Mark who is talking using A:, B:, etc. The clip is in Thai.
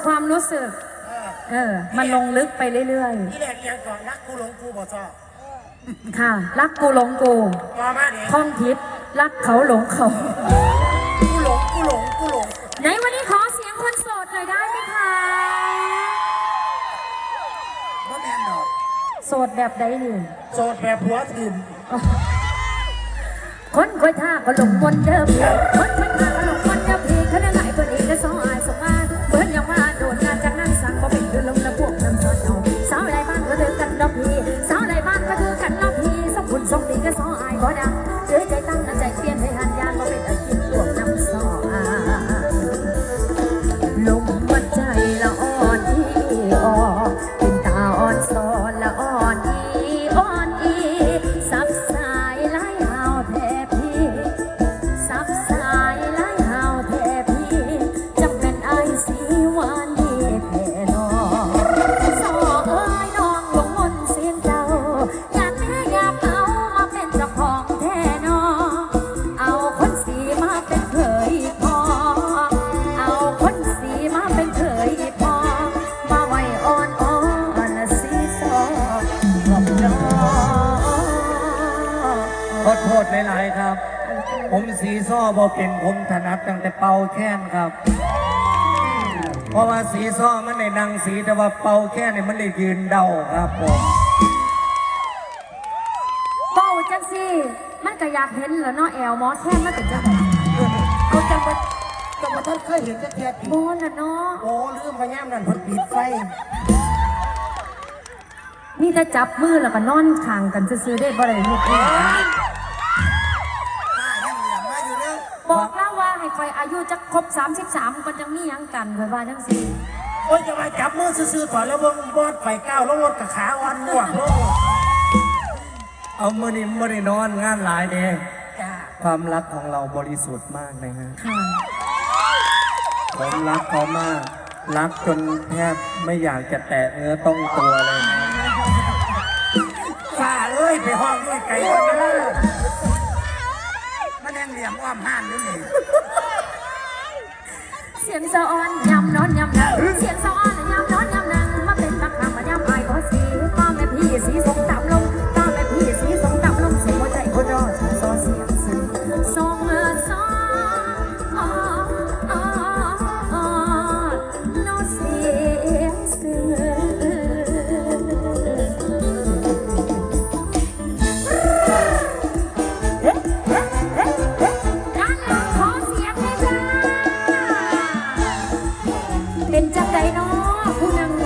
A: ความรู้สึกมันลงลึกไปเรื่อย
B: ๆที่แรกยังก่อนรักกูหลงกูบ่ชอบ
A: ค่ะรักกูหลงกูท่องทิพย์รักเขาหลงเขา
B: กูหลง
A: ในวันนี้ขอเสียงคนโสดหน่อยได้ไหมคะ
B: บ่แม่นดอก
A: โสดแบบใดหนึ่ง
B: โสดแบบหัวถิ่ม
A: คนคอยท่าก็หลงมนเดิมคนท่าก็หลงมนเดิมพี่เขาได้หลายคนเองก็สองอายสองมาเบิร์นยังว่าโดนงานจากนั้นสั่งก็เป็นคือลงน้ำพวกน้ำซอนเอาสาวไรบ้านก็เดินกันดอกพี่สาวไรบ้านก็คือกันดอกพี่สองคุณสองตีก็สองอายก็ดังเจอใจตั้งใจเปลี่ยนให้หันยานก็เป็นอาชีพพวกน้ำซอลมวัดใจละอ่อนที่อ่อนเป็นตาอ่อนซอนละอ่อนอีซับสายไล่หาวแทพี่ซับสายไล่หาวแทพี่จะเป็นไอสีหวานดีแท่นอสอเอ้ยน้องหลงมนเสียงเจ้าอยากแม่อยากเอามาเป็นเจ้าของแท่นอเอาคนสีมาเป็นเขยพอเอาคนสีมาเป็นเขยพอมาไว้อ่อนสีซอหลอกน้อ
C: ขอโทษหลายๆครับ ผมสีซ้อบ่เป็นผมถนัดตั้งแต่เป่าแค้นครับ เพราะว่าสีซ้อมันในนางสีแต่ว่าเป่าแค้นเนี่ยมันได้ยืนเดาครับผม
A: เป่าจังสิมันก็อยากเห็นเหรอเนาะแอลหมอแค้นมันเป็นจังไง
B: เอาจังมาท่านเคยเห็นแท้ๆ
A: โมน่ะเนาะ
B: โอ้ลืมพยามนั่นเพิ่นปิดไฟ
A: นี่ถ้าจับมือแล้วก็นอนข้างกันซื้อได้บ่ได้ลูกนี่บอกแล้วว่าให้คอยอายุจะครบ33มันจะมียังกันคอยว่าจังสิ
B: โอ้ยจะมาจับมือซื่อๆก่อนแล้วบอดไฟก้าวลงรถกับขาอ่อนง่วงลง
C: เอามือนี่มือนี่นอนงานหลายเด้ความรักของเราบริสุทธิ์มากนะฮะผมรักเขามากรักจนแทบไม่อยากจะแตะเนื้อต้องตัวเลย
B: ฝ่าเอ้ยไปห้องด้วยไก่คนนั้นมันยังเหลี่ยมอ้อมห้านด้วยนี่
A: เสียงสะอ้อนยำนอนยำนังเสียงสะอ้อนยำนอนยำนังมาเป็นบักคำมายำไอ้ก็สีป้าแม่พี่สีสงต่ำลงป้าแม่พี่สีสงต่ำลงเสียงหัวใจคนรอซอเสียงซึ้งสองสองโนเสียงซึ้งเป็นจังใดเนาะผู้นำ